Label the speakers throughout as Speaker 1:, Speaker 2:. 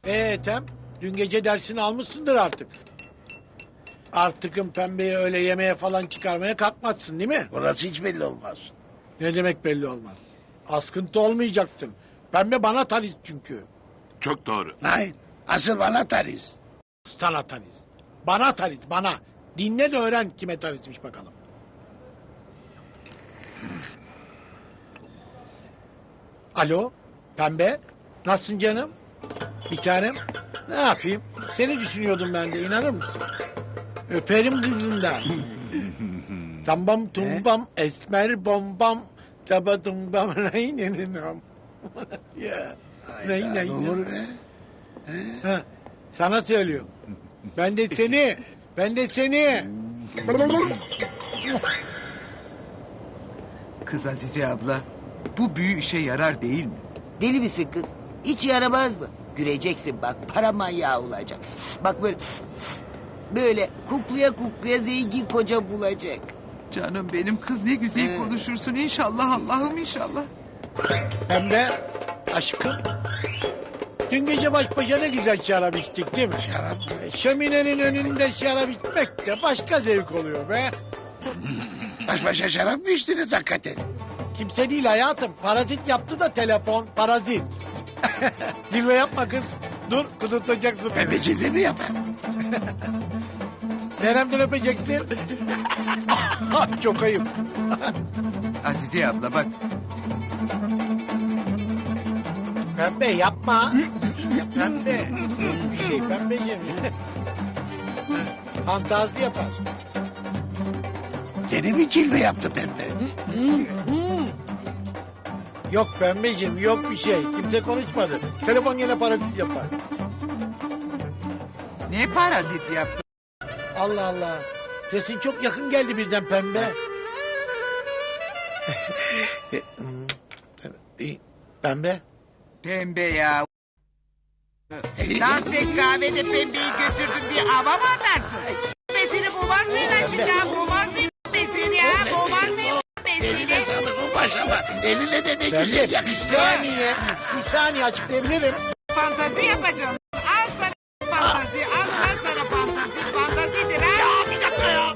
Speaker 1: Ethem, dün gece dersini almışsındır artık. Artıkın pembeyi öyle yemeğe falan çıkarmaya kalkmazsın değil mi?
Speaker 2: Orası hiç belli olmaz.
Speaker 1: Ne demek belli olmaz. Askıntı olmayacaksın. Pembe bana taliz çünkü.
Speaker 3: Çok doğru.
Speaker 2: Hayır. Asıl bana tariz.
Speaker 1: Sana taliz. Bana taliz, bana. Dinle de öğren kime talizmiş bakalım. Alo, Pembe. Nasılsın canım? Bir tanem. Ne yapayım? Seni düşünüyordum ben de, inanır mısın? Öperim kızından. Tambam tumbam esmer bombam taba tumbam neyneninam. Ya.
Speaker 2: Ne olur be.
Speaker 1: Ha, sana söylüyorum. Ben de seni. Ben de seni.
Speaker 4: Kız Azize abla, bu büyü işe yarar değil mi?
Speaker 5: Deli misin kız? Hiç yaramaz mı? Göreceksin bak, para manyağı olacak. Bak böyle... Böyle kukluya kukluya zengin koca bulacak.
Speaker 4: Canım benim kız ne güzel konuşursun inşallah Allah'ım inşallah.
Speaker 1: Pembe. Aşkım. Dün gece baş başa ne güzel şarap içtik değil mi?
Speaker 2: Şarap.
Speaker 1: Şöminenin önünde şarap içmek de başka zevk oluyor be.
Speaker 2: Baş başa şarap mı içtiniz hakikaten?
Speaker 1: Kimse değil hayatım. Parazit yaptı da telefon. Parazit. Zirve yapma kız. Dur kudurtacaksın.
Speaker 2: Pembecilde mi yapar?
Speaker 1: Neremden öpeceksin? Çok ayıp.
Speaker 4: Azize abla bak,
Speaker 1: Pembe yapma. Pembe. Yok bir şey pembeciğim. Fantazi yapar.
Speaker 2: Gene mi cilve yaptı pembe?
Speaker 1: Yok pembeciğim yok bir şey. Kimse konuşmadı. Telefon yine parazit yapar.
Speaker 4: ne parazit yaptı?
Speaker 1: Allah Allah. Sesin çok yakın geldi birden pembe. Pembe.
Speaker 4: Pembe ya. Lan sen kahvede pembeyi götürdüm diye hava mı atarsın? Besini bulmaz mıyım lan şimdi ha? Bulmaz mıyım besini ya? Bulmaz mıyım
Speaker 2: Eline
Speaker 4: besini?
Speaker 2: sağlık o başlama. Eline de ne
Speaker 1: Pembe
Speaker 2: güzel
Speaker 1: bir
Speaker 2: yakıştı.
Speaker 1: saniye. Bir saniye açıklayabilirim.
Speaker 4: Fantazi yapacağım. Al sana fantazi. Al lan sana fantazi. Fantazidir ha.
Speaker 2: Ya bir dakika ya.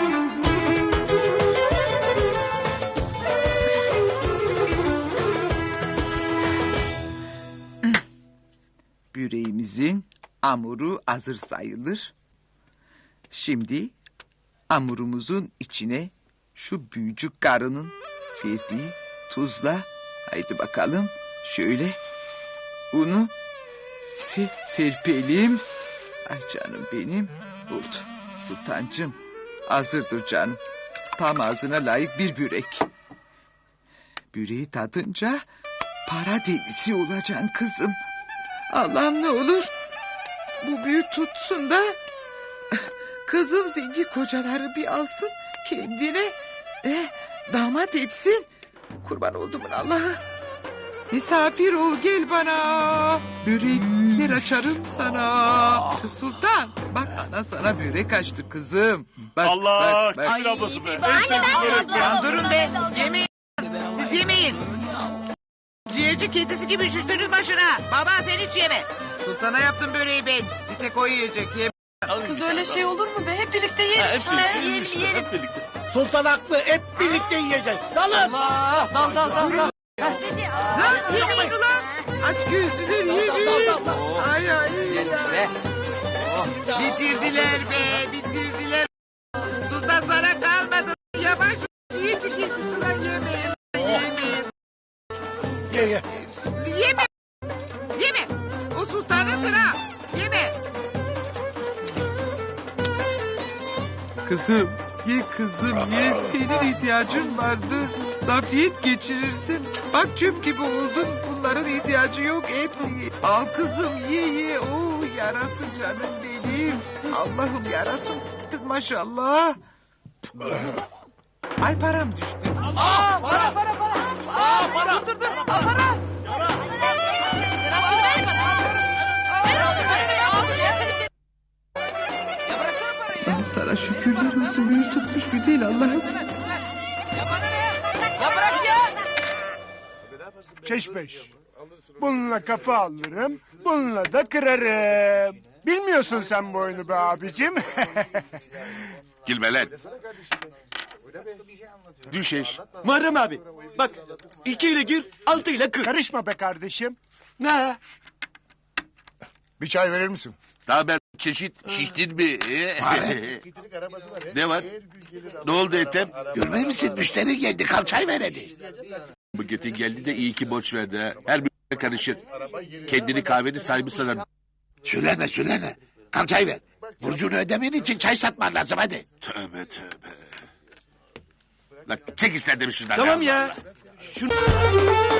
Speaker 4: Böreğimizin hamuru hazır sayılır. Şimdi hamurumuzun içine şu büyücük karının verdiği tuzla, haydi bakalım şöyle unu serpelim. Ay canım benim, oldu. Sultancığım hazırdır canım. Tam ağzına layık bir börek. Böreği tadınca para delisi olacaksın kızım. Allah'ım ne olur bu büyü tutsun da kızım zengin kocaları bir alsın kendine damat etsin. Kurban oldumun Allah'a. Misafir ol gel bana. Börekler açarım sana. Kız Sultan bak ana sana börek açtı kızım. Bak,
Speaker 3: Allah!
Speaker 4: bak.
Speaker 3: Gül ablası be. En sevdiğim börek ya.
Speaker 4: Ya durun be yemeyin. Siz yemeyin. Ciğerci kedisi gibi üşürsünüz başına. Baba sen hiç yeme. Sultana yaptım böreği ben. Bir tek o yiyecek.
Speaker 6: Kız öyle şey olur mu be? Hep birlikte yiyelim işte. Yiyelim.
Speaker 3: Hep birlikte.
Speaker 1: Sultan haklı. Hep birlikte yiyeceğiz. Dalın.
Speaker 6: Dal.
Speaker 4: Lan yemeyin ulan. Aç gözlüler yemeyin. Ay ay. Bitirdiler be bitirdiler. Sultan sana kalmadı. Yavaş yiyecek kedisine yemeyin. Yemeyin.
Speaker 1: Ye.
Speaker 4: Yeme. Yeme. O sultanındır ha. Yeme. Kızım. Ye kızım ye. Senin ihtiyacın vardır. Zafiyet geçirirsin. Bak çöp gibi oldun. Bunların ihtiyacı yok. Hepsi ye. Al kızım ye. Oh yarasın canım benim. Allah'ım yarasın. Maşallah. Ay param düştü. Para. Dur. Para. Allah'ım sana şükürler olsun. Büyü tutmuş güzel Allah'ım.
Speaker 7: Çeş beş. Bununla kapı alırım. Bununla da kırarım. Bilmiyorsun sen bu oyunu be abicim.
Speaker 3: Gülme lan. Düşeş.
Speaker 8: Muharrem abi. Bak 2 ile gir 6 ile kır.
Speaker 7: Karışma be kardeşim.
Speaker 8: Ne?
Speaker 7: Bir çay verir misin?
Speaker 3: Daha ben çeşit şiştin mi? Ne var? Ne oldu Ethem?
Speaker 2: Görmüyor musun? Müşteri geldi. Kalçay ver hadi.
Speaker 3: Bu Getin geldi de iyi ki borç verdi ha. Her bir karışır. Kendini kahvenin sahibi sanar.
Speaker 2: Söyleme. Kalçay ver. Burcunu ödemen için çay satman lazım hadi.
Speaker 3: Tövbe tövbe. Lan çek ister demiş şuradan.
Speaker 8: Tamam ya. Şunu...